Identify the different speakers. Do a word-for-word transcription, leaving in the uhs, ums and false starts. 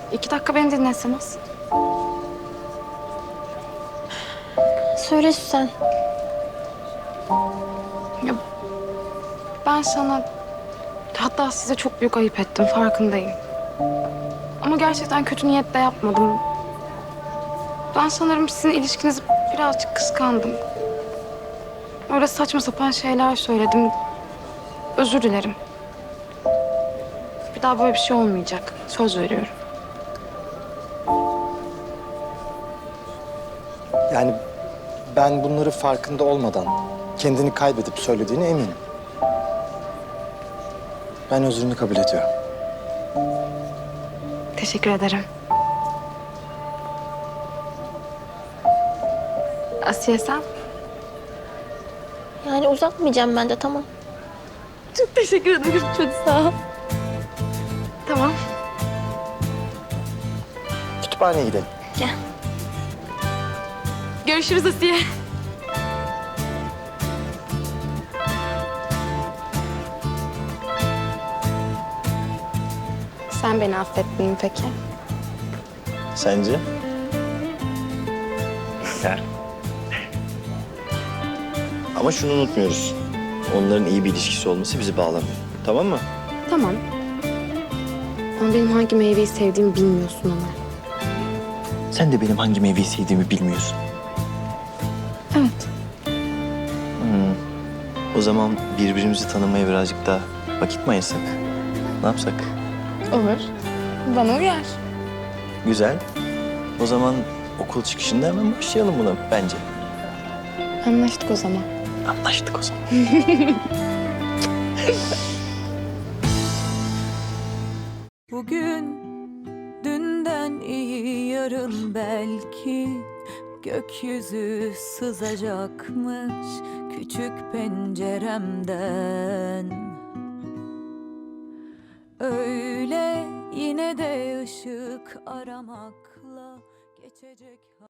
Speaker 1: İki dakika beni dinleseniz.
Speaker 2: Söyle Süsen.
Speaker 1: Ya, ben sana, hatta size çok büyük ayıp ettim, farkındayım. Ama gerçekten kötü niyetle yapmadım. Ben sanırım sizin ilişkinizi birazcık kıskandım. Öyle saçma sapan şeyler söyledim. Özür dilerim. Bir daha böyle bir şey olmayacak. Söz veriyorum.
Speaker 3: Yani ben bunları farkında olmadan kendini kaybedip söylediğine eminim. Ben özrünü kabul ediyorum.
Speaker 1: Teşekkür ederim. Asiye sen?
Speaker 2: Yani uzatmayacağım ben de, tamam.
Speaker 1: Çok teşekkür ederim. Çok sağ ol. Tamam.
Speaker 3: Kütüphaneye gidelim.
Speaker 2: Gel.
Speaker 1: Görüşürüz Asiye. Sen beni affettin mi peki?
Speaker 3: Sence? Güzel. Ama şunu unutmuyoruz. Onların iyi bir ilişkisi olması bizi bağlamıyor. Tamam mı?
Speaker 1: Tamam. Ama benim hangi meyveyi sevdiğimi bilmiyorsun ama.
Speaker 3: Sen de benim hangi meyveyi sevdiğimi bilmiyorsun.
Speaker 1: Evet.
Speaker 3: Hmm. O zaman birbirimizi tanımaya birazcık daha vakit mi ayırsak? Ne yapsak?
Speaker 1: Olur. Bana uyar.
Speaker 3: Güzel. O zaman okul çıkışında hemen başlayalım buna bence.
Speaker 1: Anlaştık o zaman.
Speaker 3: Anlaştık o zaman.
Speaker 4: Bugün dünden iyi, yarın belki gökyüzü sızacakmış küçük penceremden. Öyle yine de ışık aramakla geçecek.